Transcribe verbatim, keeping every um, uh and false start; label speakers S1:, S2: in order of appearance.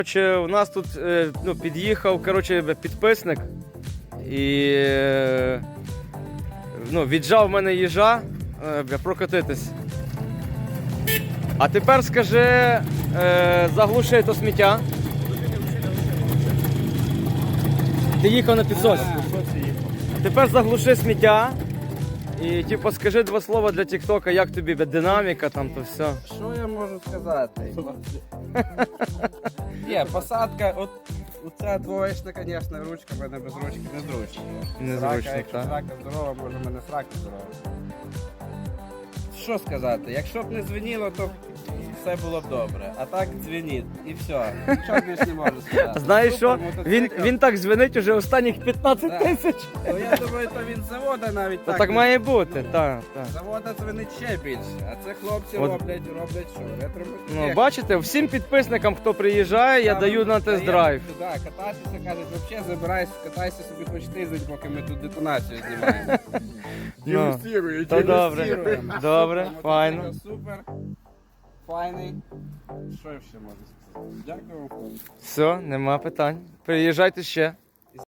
S1: Коротше, у нас тут е, ну, під'їхав коротше, підписник і е, ну, віджав в мене їжа е, бля, прокатитись. А тепер скажи, е, заглуши то сміття. Ти їхав на підсосі. Тепер заглуши сміття і типу, скажи два слова для тіктока, як тобі бля, динаміка, там то все.
S2: Що я можу сказати? Є, посадка, от оця двоєчна, звісно, ручка, в мене без ручки незручно.
S1: Незручно,
S2: Срака, якщо
S1: так.
S2: срака здорова, може в мене срака здорова. Що сказати, якщо б не дзвеніло, то все було б добре. А так дзвенить і все. Нічого більше не можу сказати.
S1: Знаєш що?
S2: Супер мотоцикл.
S1: Він, він так дзвенить уже останніх п'ятнадцять
S2: Да.
S1: тисяч.
S2: Ну, я думаю, то він з завода навіть
S1: Та
S2: так.
S1: так
S2: не-
S1: має бути, так, так.
S2: З завода дзвенить ще більше. А це хлопці
S1: От.
S2: роблять, роблять що? Ретро-мотоцикл.
S1: Ну, бачите, всім підписникам, хто приїжджає, я
S2: Там
S1: даю на тест-драйв.
S2: даємо Туди кататися, кажуть, взагалі забирайся, катайся собі хоч тиждень, поки ми тут детонацію знімаємо.
S1: Ну,
S2: Дегустируємо,
S1: то добре,
S2: дегустируємо.
S1: добре,
S2: Мотоцикл
S1: файно.
S2: Супер, файний. Що я ще можу сказати? Дякую вам.
S1: Все, нема питань. Приїжджайте ще.